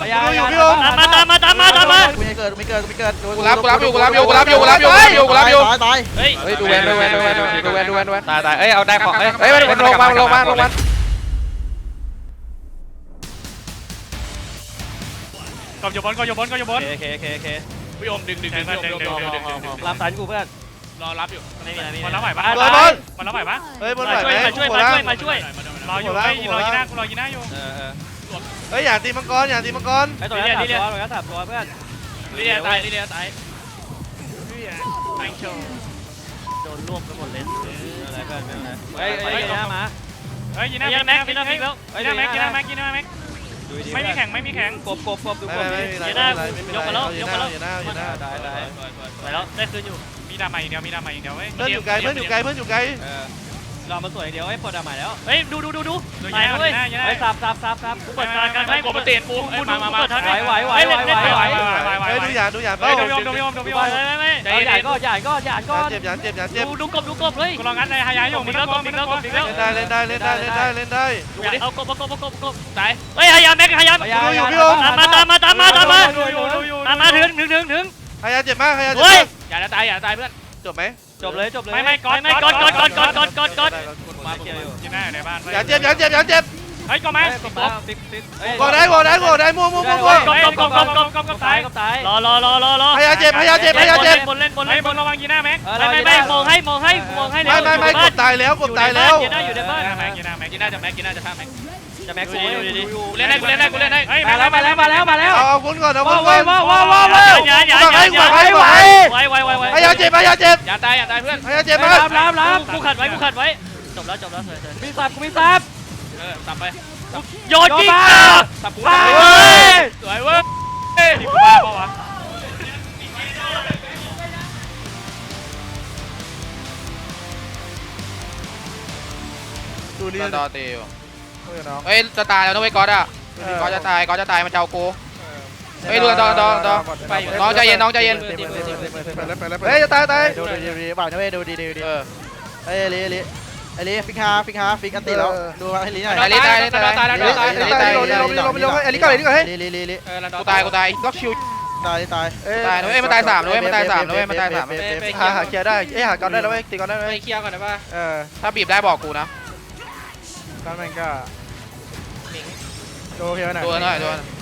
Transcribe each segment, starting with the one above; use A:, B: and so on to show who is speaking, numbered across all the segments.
A: อยู่พี่โอม
B: ตามมา
C: กูไม่เกิด
D: กูรับอยู่
C: ตาย
B: เฮ้ย
D: ดูแวนตายเอ้ยเอาได้ของเอ้ยมันลงมา
A: ก็อยู่บน
B: โอเค
A: พี่โอมดึง
B: รับสายกูเพื่อน
A: รอรับอยู่
B: ไม่มีอะไร
A: มันรับไหวปะมันรับไหวปะ
C: เฮ้ยบนไหวไหม
B: มาช่วย
A: รออยู่รอยีน่าอยู่
C: เฮ้ยอย่าตีมังกร
B: ไอ้ตัวนี้ถับตัวเพื่อน
A: ลีเลียตายไอโชว์
B: โดนรวบไปหมดเลยอะไรเพื่อนเฮ้ยยีน่ามา
A: เฮ้ยยีน่าแม็กยีน่าแม็กไม่มีแข่ง
B: กบดูกบ
C: ยีน่ายกมาแล้ว
B: ได้ไปแล้วได้คืนอยู่
A: มีดาใหม่อย่างเดียวเว้ย
C: เพื่อนอยู่ไกล
B: รอมาสวยเดียวไอ้ปอดใหม่แล้วเฮ้ยดูไหนเว้ยไอ้สับกูเปิดการกัน
A: ไม่กบเตะปูมา
B: ไหว
A: เฮ้ยดูหยาด
C: ดู
A: พี่
B: ไม่ใหญ่ก็
C: เจ็บ
B: ดูกบเลย
A: กูลองงัดในหายาอยู่
B: บิ๊กแล้ว
C: เล่นได้
B: เอากบตายเฮ้ยหายาแม็กหายา
C: ดูอยู่พี่โอม
B: ตามมาถึง
C: หายาเจ็บมาก
B: เฮ้ย
A: อย่าตายเพื่อน
C: จบไหม
B: จบเลย
A: ไม่กด
B: มาเกี่ยวอยู่
A: ยีน่าอยู่ในบ้าน
C: อย่าเจ็บ
A: เฮ้ยก็มา
C: กดได้มั่ว
B: กบตาย
C: หายาเจ็บ
B: บนเล่น
A: บนระวังยีน่าแม็ก
B: ไม่มองให้
C: ไม่กดตายแล้ว
B: อยู่ในบ้าน
A: ยีน่าจะฆ่าแม็ก
B: จะแม็กซ์อยู่
A: เล่นได้เฮ้ย
B: มาแล้ว
C: เอาคุณก่อน
B: ว้าวอย่า
C: หายาเจ็บ
A: อย่าตายเพื่อน
C: หายาเจ็บมาก
B: รับกูขัดไว้จบแล้วสวยกูมีซับ
A: สับไป
B: โยนจริง
A: สับกูสวยเว้ยนี่กูบ้าเปล่าวะ
C: ดูนี่
D: ดอตีอยู่เฮ้ยจะตายแล้วนะเว้ยก๊อตอ่ะก๊อตจะตายมันจะเอากูเฮ้ยดูดอน้องใจเย็น
C: เฮ้ยจะตาย
E: ดูดีบ่าวนะเว้ยดูดีเฮ้ยไอ้ลิฟิกอันตีแล้วดูให้ลิหน่อย
D: ตาย
C: ไอ้ลิก่อนเฮ้ย
E: ลิ
D: กูตายล็อกชิว
E: ตาย
D: เฮ้ยมันตาย3เลยมันตาย3
C: หาเคลียร์ได้หาก่อนได้แล้วเว้ยตีก่อนได้ไหม
A: ไปเคลียร์ก่อนได้ป่ะ
D: ถ้าบีบได้บอกกูนะ
E: ก้อนแมงก็โอเคไหม
D: โดน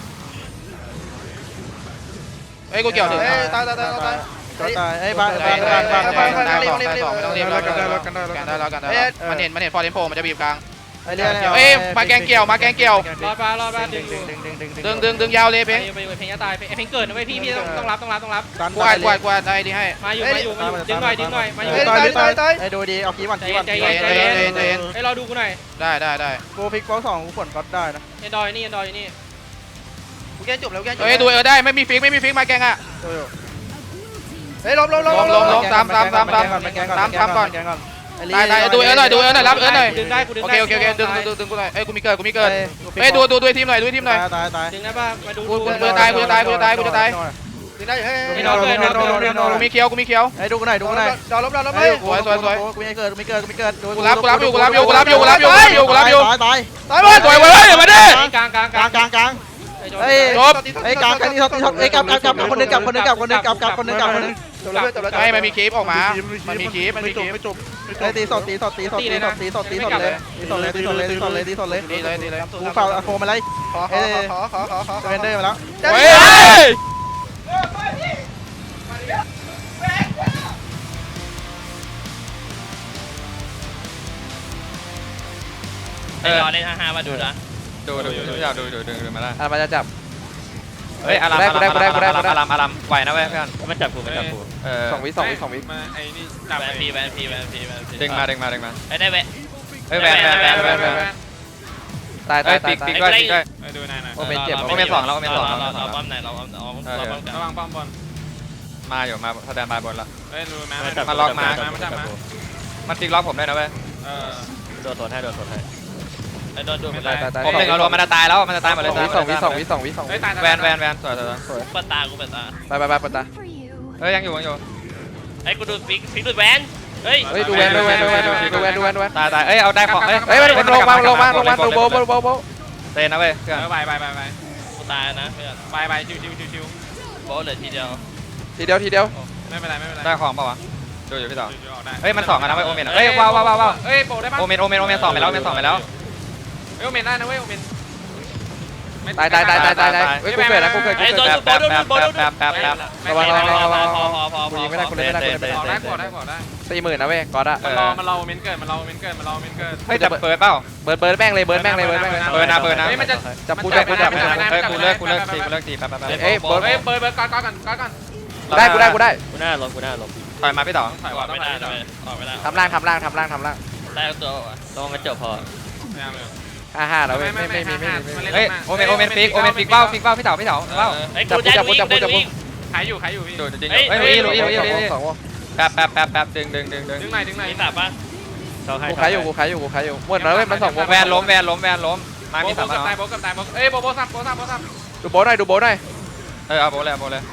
D: เฮ้ยกูเกี่ยวถึง
C: ตาย
E: ไอ้บ้าน
D: ไม่ต้องรีบแล้วกันได้มันเห็นฟอร์เรนโพมันจะบีบกลาง
E: ไอ้เรื่อง
D: เฮ้ยมาแกงเกี่ยว
A: รอด
D: ดึงยาวเลยเพ่ง
A: เพลงจะตายเพลงเกิดนะเว้ยพี่ต้องรับ
D: กวาดได้ดีให้
A: มาอยู่ดึงหน่อยมาอยู่
C: ตาย
E: ไอ้ดูดีเอาคีบอล
A: ใจเย็นให้เราดูกูหน่อย
D: ได้
E: กูฟิกบอล2กูผลก็ได้นะ
A: เอ็นดอยนี่
C: กูแก้จบแล้วแก้จบ
D: เฮ้ยดูได้ไม่มีฟิกมาแกงอ่ะ
C: เฮ้ยล้ม
D: ตามก่อนตายดูหน่อยรับหน่อย
A: ดึงได้กูดึง
D: โอเคดึงกูหน่อยเอ้ยกูมีเกิดเฮ้ยดูทีมหน่อย
E: ตาย
A: ดึงได้ป่ะมาดู
D: กูจะตาย
C: ดึงได้เฮ้ย
D: กูมีเคียว
E: ไอ้ดูกันหน่อย
C: ดอล้ม
E: กูไม่เกิดดู
D: กูรับอยู่ตายหมดสวย
E: เฮ้ยกลางนี่ท็อปเฮ้ยกลับคนนึง
D: ไม่มันมีคลิปออกมามันมีคลิป
E: ไอ้ตีสดเลยกูเฝ้าโฟมาเลย
C: ขอ
E: เวนเดอร์มาแล้ว
D: เฮ้ย
B: รอเล่น5มาดูนะ
D: ดูอยากดูมาได้
C: มันจะจับ
D: เฮ้ยอารัมไหวนะเว้ยเพื่อน
B: มันจับกู
C: 2 วิ
A: มาไอ้นี่จับ
B: แวนพี
D: ดึงมา
B: ไอ้ได้แวน
D: เฮ้ยแวน
C: ตาย
D: ติ๊กด้วย
A: ดูนายหน่อย
C: โอเมนเจ็บ
D: โอเมน2แล้ว
B: เราป้อมไหนเรา
A: ระวังป้อมบอล
D: มาอยู่มาแสดงมาบนละ
A: เฮ้ยดูมา
D: มันติ๊กล็อกผมได้นะเว้ย
B: โดนให้ไอ้โดนดูไม่
C: ตาย
D: ผมหนึ่งเอารวมมันจะตายแล้วมันจะตายหมดเลย
C: 2 วิ
A: เฮ้ยตาย
D: แวน
B: ปัดตากูปัดตา
C: ไปปะตา
D: เฮ้ยยังอยู่
B: ไอ้กูดูฟิกดูแวนเฮ้ย
C: ดูแวน
D: ตายเอ้ยเอาได้ของ
C: มันลงมาดูโบ
D: เตนนะเว้ยเพื่อน
A: ไป
B: ต
A: ตายนะเพื่อน
B: ไปชิว
A: โบเหลือทีเดียว
C: ทีเดียว
B: ไม่เป็นไร
D: ได้ของเปล่าวะดูอยู่พี่ต่อ
B: ออกได้
D: เฮ้ยมันสองกันนะเว้ยโอเมนเฮ้ยว้าว
B: เฮ้ยโปได้ปะ
D: โอเมนสองไปแล้วสองไปแล้ว
B: เฮ้ยโอเมนได้นะเว้ยโอเมน
C: ตายเฮ้ยกูเกิดนะกูเกิด
A: ไอ้โดน
D: แป๊บ
A: โบโดน
C: พอกูยิงไม่ได้กูเล่นไม่ได้กูเล่นไม่ได้
B: กดได้
C: 40,000นะเว้ยก๊อตอะ
B: มันรอโอเมนเกิด
D: เฮ้ยจะเปิดเปล่า
C: เบิร์ดแม่งเลยเบิร์ดแม่งเลย
D: เปิดนะ
B: เฮ้ยมันจะ
C: จับกู
D: เฮ้ยกูเลิกตีแป๊บ
C: เอ้ย
B: เปิดก่อน
C: กูได้
A: กูหน้าลบ
D: ถอยมาพี่ต่อ
A: ออกไม่ได้เลยออกไม่ได้
C: ทำล่าง
A: ได้ตัวลงกระจกพอ
C: 55แล้วเว้ยไม่มี
D: เฮ้ยโอเมนฟิกเป้าพี่ต่อเป้า
A: ไอ้กูได้วิ่ง
B: ขายอยู่พี่
D: ดูจริงเฮ้ยลุย
C: สองวง
D: แป๊บดึง
B: ดึงหน่อย
A: มีสับปะ
C: กูขายอยู่หมดแล้วเว้ยมันสองวง
D: แวนล้มมามี
B: โบ
D: สาม
B: กับตายโบกับตายเอ้ยโบซับ
C: ดูโบหน่อย
D: เอาโบเลย
B: โบหลุด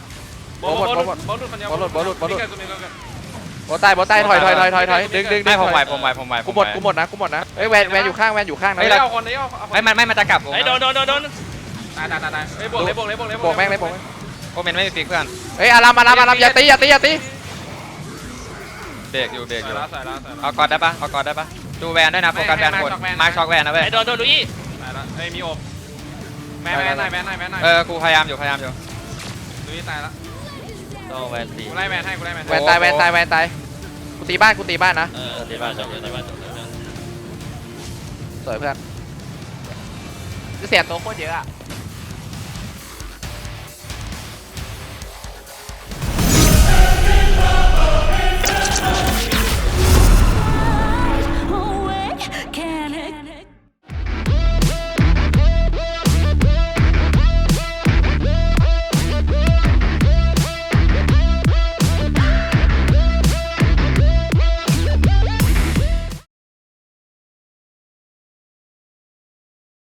C: โบตายถอยดึง
D: ไม่ผมไหว
C: กูหมดนะเฮ้ยแวนอยู่ข้างนะ
B: เฮ้ยเอาคนนี้
D: ไม่มันจะกลับ
A: ไอ้โดน
B: ตายเฮ้ยบวกเลย
C: โบกแม่งเลย
D: โอเมนไม่มีฟิกเพื่อน
C: เฮ้ยอารามอย่าตี
D: เบรกอยู่
B: ใส่แล้ว
D: เอากอดได้ปะดูแวนด้วยนะโฟกัสแวนคนมาช็อกแวนนะเว้ย
A: ไอ้โดนลุย
B: ตายแล้วเฮ้ยมีอบแม่หน่อย
D: กูพยายามอยู่
B: ดูนี่ตายแล้ว
A: ต้องแวนตี
B: กูไล่แมนให้
C: แวนตายกูตีบ้านนะ
A: ที่บ้านจบที่บ้านจบ
C: สวยเพื่อนเสียตัวโคตรเยอะอะ